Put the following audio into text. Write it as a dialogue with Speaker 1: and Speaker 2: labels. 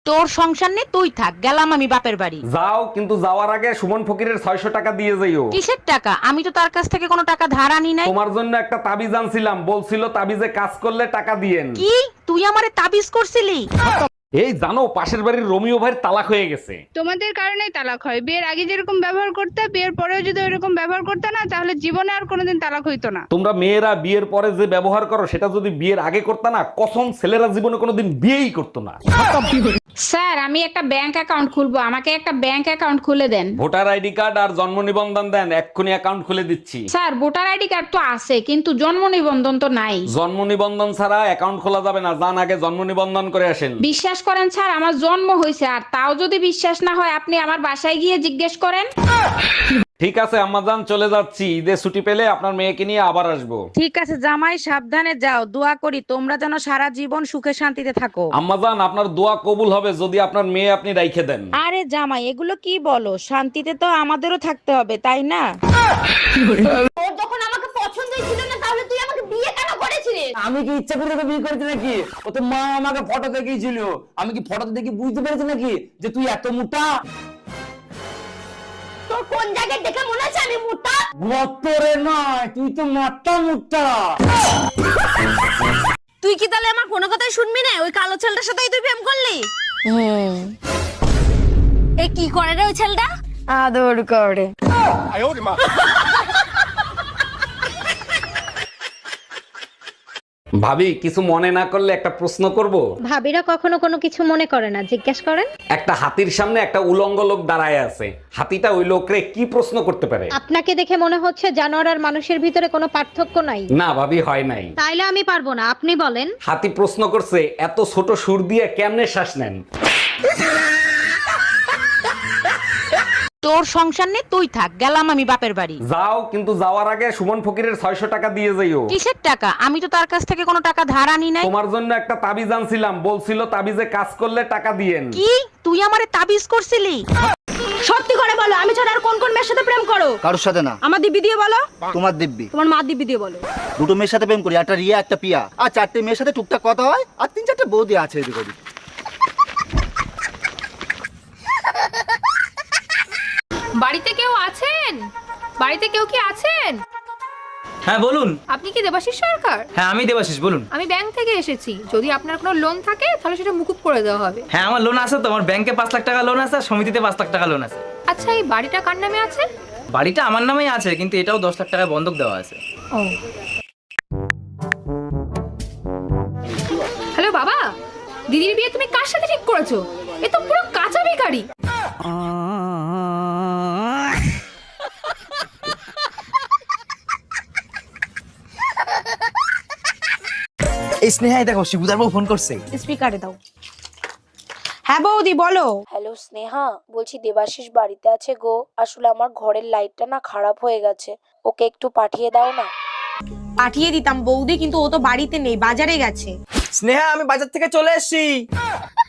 Speaker 1: তোর সংসার নেই, তুই থাক, গেলাম আমি বাপের বাড়ি।
Speaker 2: যাও, কিন্তু যাওয়ার আগে সুমন ফকিরের 600 টাকা দিয়ে যাইও।
Speaker 1: কিসের টাকা? আমি তো তার কাছ থেকে কোনো টাকা ধার আনি নাই।
Speaker 2: তোমার জন্য একটা তাবিজ আনছিলাম, বলছিল তাবিজে কাজ করলে টাকা দিয়েন।
Speaker 1: কি? তুই আমারে তাবিজ করছিলি?
Speaker 2: এই জানো, পাশের বাড়ির রমিও ভাইয়ের তালাক হয়ে গেছে।
Speaker 3: তোমাদের কারণেই তালাক হয়। বিয়ের আগে যেরকম ব্যবহার করতে, বিয়ের পরেও যদি ওইরকম ব্যবহার করতে না, তাহলে জীবনে আর কোনোদিন তালাক হইতো না।
Speaker 2: তোমরা মেয়েরা বিয়ের পরে যে ব্যবহার করো, সেটা যদি বিয়ের আগে করতে না, কসম ছেলেরা জীবনে কোনোদিন বিয়েই করতো না।
Speaker 4: স্যার, আমি একটা ব্যাংক অ্যাকাউন্ট খুলবো, আমাকে একটা ব্যাংক অ্যাকাউন্ট খুলে দেন।
Speaker 2: ভোটার আইডি কার্ড আর জন্ম নিবন্ধন দেন, এক্ষুনি অ্যাকাউন্ট খুলে দিচ্ছি।
Speaker 4: স্যার, ভোটার আইডি কার্ড তো আছে, কিন্তু জন্ম নিবন্ধন তো নাই।
Speaker 2: জন্ম নিবন্ধন ছাড়া অ্যাকাউন্ট খোলা যাবে না, যান আগে জন্ম নিবন্ধন করে আসেন।
Speaker 4: বিশ্বাস করেন স্যার, আমার জন্ম হয়েছে, আর তাও যদি বিশ্বাস না হয় আপনি আমার বাসায় গিয়ে জিজ্ঞেস করেন।
Speaker 2: ঠিক আছে আম্মাজান, চলে যাচ্ছি, ঈদে ছুটি পেলে আপনার মেয়েকে নিয়ে আবার আসবো।
Speaker 1: ঠিক আছে জামাই, সাবধানে যাও। দোয়া করি তোমরা যেন সারা জীবন সুখে শান্তিতে থাকো।
Speaker 2: আম্মাজান, আপনার দোয়া কবুল হবে যদি আপনার মেয়ে আপনি রাইখে দেন।
Speaker 1: আরে জামাই, এগুলো কি বলো? শান্তিতে তো আমাদেরও থাকতে হবে, তাই না?
Speaker 5: তোর যখন আমাকে পছন্দই ছিল না, তাহলে তুই আমাকে বিয়ে কেন করেছিলিস?
Speaker 6: আমি কি ইচ্ছা করে তোকে বিয়ে করেছি নাকি? ও তো মা আমাকে ফটো দেখিয়েছিল। আমি কি ফটো দেখে বুঝতে পেরেছি নাকি যে তুই এত মোটা?
Speaker 5: তোর কোন জায়গায় দেখে মনে হচ্ছে আমি মোটা?
Speaker 6: গতরে নয়, তুই তো মাথা মোটা।
Speaker 5: তুই কি তাহলে আমার কোনো কথাই শুনবি না? ওই কালো ছেলেটার সাথেই তুই প্রেম করলি? এ কি করে রে ওই ছেলেটা?
Speaker 1: আদর করে।
Speaker 2: ভাবি, কিছু মনে না করলে একটা প্রশ্ন করব?
Speaker 7: ভাবিরা কখনো কোনো কিছু মনে করে না, জিজ্ঞেস করেন।
Speaker 2: একটা হাতির সামনে একটা উলঙ্গ লোক দাঁড়ায় আছে, হাতিটা ওই লোকরে কি প্রশ্ন করতে পারে?
Speaker 7: আপনাকে দেখে মনে হচ্ছে জানোয়ার আর মানুষের ভিতরে কোনো পার্থক্য নাই।
Speaker 2: না ভাবি, হয় নাই।
Speaker 7: তাইলে আমি পারবো না, আপনি বলেন।
Speaker 2: হাতি প্রশ্ন করছে, এত ছোট সুর দিয়ে কেমনে শ্বাস নেন?
Speaker 1: তোর সংসার নেই, তুই থাক, গেলাম আমি বাপের বাড়ি।
Speaker 2: যাও, কিন্তু যাওয়ার আগে সুমন ফকিরের 600 টাকা দিয়ে যাইও।
Speaker 1: কিসের টাকা? আমি তো তার কাছ থেকে কোনো টাকা ধার আনি নাই।
Speaker 2: তোমার জন্য একটা তাবিজ আনছিলাম, বলছিল তাবিজে কাজ করলে টাকা দিয়েন।
Speaker 1: কি? তুই আমারে তাবিজ করছিলি?
Speaker 5: সত্যি করে বলো, আমি ছাড়া আর কোন কোন মেয়ের সাথে প্রেম করো?
Speaker 8: কারোর সাথে না।
Speaker 5: আমার দিব্যি দিয়ে বলো।
Speaker 8: তোমার দিব্যি।
Speaker 5: তোমার মা দিব্যি দিয়ে বলো।
Speaker 8: দুটো মেয়ের সাথে প্রেম করি, একটা রিয়া একটা পিয়া, আর 4টে মেয়ের সাথে টুকটাক কথা হয়, আর 3-4টে বৌদি আছে এদিক ওদিক।
Speaker 9: বাড়িতে কেউ আছেন? বাড়িতে কেউ কি আছেন?
Speaker 10: হ্যাঁ বলুন।
Speaker 9: আপনি কি দেবাশিস সরকার?
Speaker 10: হ্যাঁ আমি দেবাশিস, বলুন।
Speaker 9: আমি ব্যাংক থেকে এসেছি। যদি আপনার কোনো লোন থাকে তাহলে সেটা মুকুব করে দেওয়া হবে।
Speaker 10: হ্যাঁ আমার লোন আছে তো, আমার ব্যাংকে 5 লাখ টাকা লোন আছে, আর সমিতিতে 5 লাখ টাকা লোন আছে।
Speaker 9: আচ্ছা, এই বাড়িটা কার নামে আছে?
Speaker 10: বাড়িটা আমার নামেই আছে, কিন্তু এটাও 10 লাখ টাকা বন্ধক দেওয়া আছে।
Speaker 9: ও, হ্যালো বাবা, দিদির বিয়ে তুমি কার সাথে ঠিক করেছো? এ তো পুরো কাঁচা বেকারি।
Speaker 6: এই স্নেহাই দেখো, শিবুদার বউ ফোন করছে।
Speaker 1: স্পিকারে দাও। হ্যাঁ বৌদি, বলো।
Speaker 11: হ্যালো স্নেহা, বলছি দেবাশিস বাড়িতে আছে গো। আসলে আমার ঘরের লাইটটা না খারাপ হয়ে গেছে, ওকে একটু পাঠিয়ে দাও না।
Speaker 1: পাঠিয়ে দিতাম বৌদি, কিন্তু ও তো বাড়িতে নেই, বাজারে গেছে।
Speaker 6: স্নেহা, আমি বাজার থেকে চলে এসেছি।